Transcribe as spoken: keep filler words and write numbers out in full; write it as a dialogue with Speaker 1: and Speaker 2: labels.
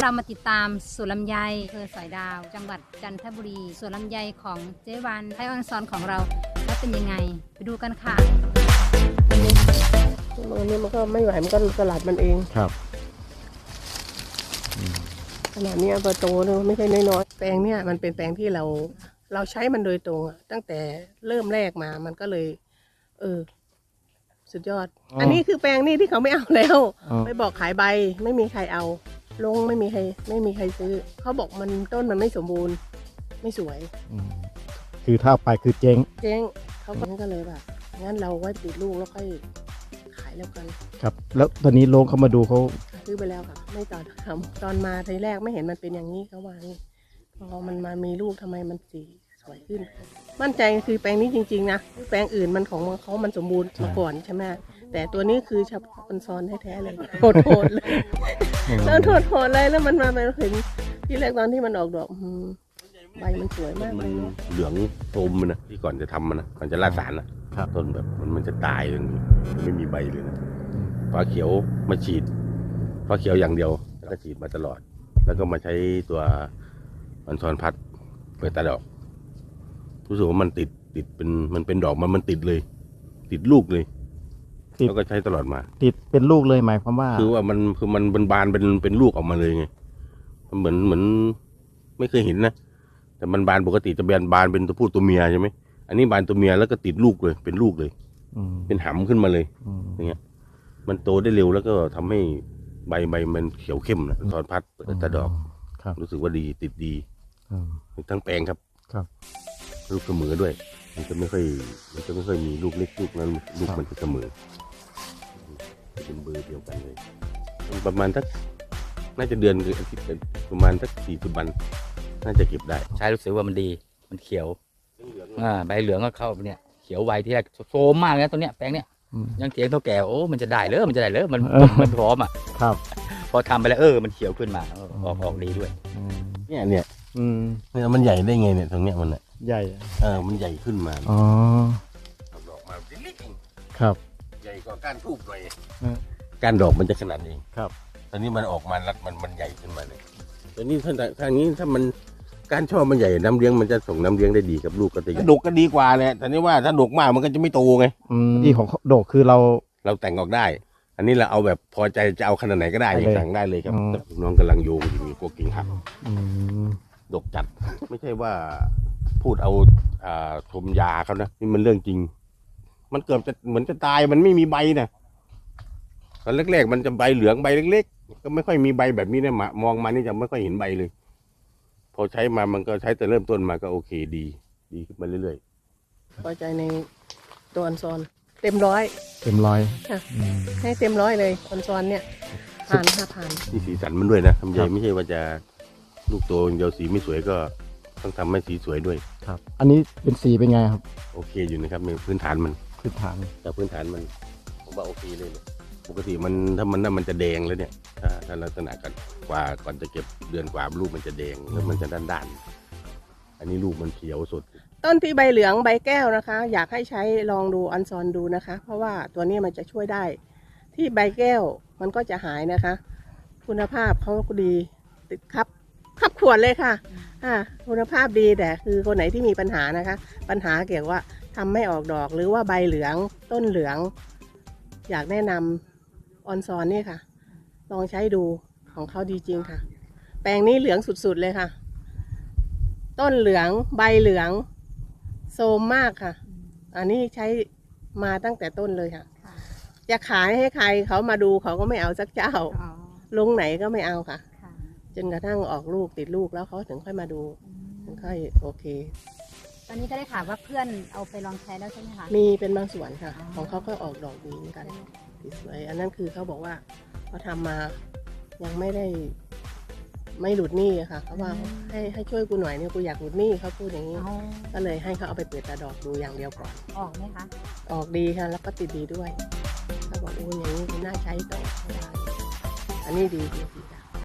Speaker 1: เรามาติดตามสวนลำไยอำเภอสอยดาวจังหวัดจันทบุรีสวนลำไยของเจ๊วันไทยออนซอนของเราแล้วเป็นยังไงไปดูกันค่ะ
Speaker 2: อันนี้มันก็ไม่ไหวมันก็สลัดมันเอง
Speaker 3: ครับ
Speaker 2: ขนาดนี้เบอร์โตเนี่ยไม่ใช่น้อยๆแปลงเนี่ยมันเป็นแปลงที่เราเราใช้มันโดยตรงตั้งแต่เริ่มแรกมามันก็เลยเออสุดยอด อ, อันนี้คือแปลงนี่ที่เขาไม่เอาแล้วไปบอกขายใบไม่มีใครเอาลงไม่มีใครไม่มีใครซื้อเขาบอกมันต้นมันไม่สมบูรณ์ไม่สวย
Speaker 3: คือถ้าไปคือเจ๊ง
Speaker 2: เจ๊งเขาก็เลยแบบงั้นเราไว้ติดลูกแล้วค่อยขายแล้วกัน
Speaker 3: ครับแล้วตอนนี้ลงเขามาดูเขา
Speaker 2: ซื้อไปแล้วค่ะไม่ต่อทำตอนมาทีแรกไม่เห็นมันเป็นอย่างนี้เขาว่านี่พอมันมามีลูกทำไมมันสีสวยขึ้นมั่นใจคือแปลงนี้จริงๆนะแปลงอื่นมันของเขามันสมบูรณ์มาก่อนใช่ไหมแต่ตัวนี้คือชาคนซ้อนแท้ๆเลยโหดๆเลยแล้วโหดๆเลยแล้วมันมาเป็นเห็นที่แรกตอนที่มันออกดอกใบมันสวยมาก
Speaker 4: มันเหลืองโทมมันนะที่ก่อนจะทำมันนะก่อนจะราดสารนะต้นแบบมันมันจะตายเลยไม่มีใบเลยนะฟ้าเขียวมาฉีดฟ้าเขียวอย่างเดียวแล้วก็ฉีดมาตลอดแล้วก็มาใช้ตัวมันซอนพัดเปิดตาดอกรู้สึกว่ามันติดติดเป็นมันเป็นดอกมันมันติดเลยติดลูกเลยแล้วก็ใช้ตลอดมา
Speaker 3: ติดเป็นลูกเลยหมายความว่า
Speaker 4: คือว่ามันคือมันเป็นบานเป็นเป็นลูกออกมาเลยไงมันเหมือนเหมือนไม่เคยเห็นนะแต่มันบานปกติจะแบนบานเป็นตัวผู้ตัวเมียใช่ไหมอันนี้บานตัวเมียแล้วก็ติดลูกเลยเป็นลูกเลยเป็นหำขึ้นมาเลยอย่างเงี้ยมันโตได้เร็วแล้วก็ทำให้ใบใบมันเขียวเข้มนะตอนพัดเปิดตาดอกรู้สึกว่าดีติดดีทั้งแปลงครับลูกเสมอด้วยมันจะไม่ค่อยมันจะไม่ค่อยมีลูกเล็กลูกนั้นลูกมันจะเสมอเป็นเบอร์เดียวกันเลยประมาณสักน่าจะเดือนหรืออาทิตย์ประมาณสักสี่สิบวันน่าจะเก็บได้
Speaker 5: ใช้รู้สึกว่ามันดีมันเขียวอ่าใบเหลืองก็เข้าเนี่ยเขียวไวที่แรกโซมมากเลยนะตัวเนี้ยแปลงเนี้ยยังเถียงเท่าแก่โอ้มันจะได้เลยมันจะได้เลยมันมันพร้อมอ่ะ
Speaker 3: ครับ
Speaker 5: พอทำไปแล้วเออมันเขียวขึ้นมาออกออกดีด้วย
Speaker 4: เนี่ยเนี่ยเนี่ยมันใหญ่ได้ไงเนี่ยตรงเนี้ยมันอ่ะ
Speaker 3: ใหญ่
Speaker 4: เออมันใหญ่ขึ้นมา
Speaker 3: อ๋อ
Speaker 4: ดอกมาเล็ก
Speaker 3: ๆครับ
Speaker 4: ใหญ่กว่าก้านทูบหน่อยก้านดอกมันจะขนาดนี้
Speaker 3: ครับ
Speaker 4: ตอนนี้มันออกมาแล้วมันมันใหญ่ขึ้นมาเลยตอนนี้ถ้าทางนี้ถ้ามันก้านช่อมันใหญ่น้ำเลี้ยงมันจะส่งน้ำเลี้ยงได้ดีกับลูกก็จะดกก็ดีกว่าเลยแต่นี่ว่าถ้าดกมากมันก็จะไม่โตไง
Speaker 3: ที่ของดกคือเรา
Speaker 4: เราแต่งออกได้อันนี้เราเอาแบบพอใจจะเอาขนาดไหนก็ได้แต่งได้เลยครับน้องกำลังโยงอยู่มีพวกกิ่งหักดกจัดไม่ใช่ว่าพูดเอาอ่าชมยาเขานะนี่มันเรื่องจริงมันเกือบจะเหมือนจะตายมันไม่มีใบนะตอนแรกๆมันจะใบเหลืองใบเล็กๆก็ไม่ค่อยมีใบแบบนี้นะมองมานี่จะไม่ค่อยเห็นใบเลยพอใช้มามันก็ใช้แต่เริ่มต้นมาก็โอเคดีดีขึ้นมาเรื่อย
Speaker 2: ๆพอใจในตัวอันซอนเต็มร้อย
Speaker 3: เต็มร้อย
Speaker 2: ค่ะให้เต็มร้อยเลยอันซอนเนี่ยผ่านห้าผ่าน
Speaker 4: ที่สีสันมันด้วยนะทำใหญ่ไม่ใช่ว่าจะลูกโตเดียวสีไม่สวยก็ต้องทำให้สีสวยด้วย
Speaker 3: ครับอันนี้เป็นสีเป็นไงครับ
Speaker 4: โอเคอยู่นะครับในพื้นฐานมัน
Speaker 3: พื้นฐาน
Speaker 4: แต่พื้นฐานมันผมว่าโอเคเลยปกติมันถ้ามันน่ามันจะแดงแล้วเนี่ยถ้าถ้าลักษณะกันกว่าก่อนจะเก็บเดือนกว่าลูกมันจะแดงแล้วมันจะด้านด้านอันนี้ลูกมันเขียวสด
Speaker 2: ต้นที่ใบเหลืองใบแก้วนะคะอยากให้ใช้ลองดูอันซอนดูนะคะเพราะว่าตัวนี้มันจะช่วยได้ที่ใบแก้วมันก็จะหายนะคะคุณภาพเขาก็ดีติดครับขับขวดเลยค่ะอ่าคุณภาพดีแต่คือคนไหนที่มีปัญหานะคะปัญหาเกี่ยวว่าทำไม่ออกดอกหรือว่าใบเหลืองต้นเหลืองอยากแนะนำออนซอนนี่ค่ะลองใช้ดูของเขาดีจริงค่ะแปลงนี้เหลืองสุดๆเลยค่ะต้นเหลืองใบเหลืองโซมมากค่ะอันนี้ใช้มาตั้งแต่ต้นเลยค่ะจะขายให้ใครเขามาดูเขาก็ไม่เอาสักเจ้าลงไหนก็ไม่เอาค่ะจนกระทั่งออกลูกติดลูกแล้วเขาถึงค่อยมาดูถึงค่อยโอเค
Speaker 1: ตอนนี้ก็ได้ข่าวว่าเพื่อนเอาไปลองใช้แล้วใช่ไหมคะ
Speaker 2: มีเป็นบางส่วนค่ะของเขาก็ออกดอกดีเหมือนกันสวยอันนั้นคือเขาบอกว่าเขาทำมายังไม่ได้ไม่หลุดหนี้ค่ะเขาว่าให้ให้ช่วยกูหน่อยเนี่ยกูอยากหลุดหนี้เขาพูดอย่างนี้ก็เลยให้เขาเอาไปเปิดตาดอกดูอย่างเดียวก่อน
Speaker 1: ออกไหมคะ
Speaker 2: ออกดีค่ะแล้วก็ติดดีด้วยเขาบอกโอ้ยอย่างนี้น่าใช้ต่อได้อันนี้ดีจริง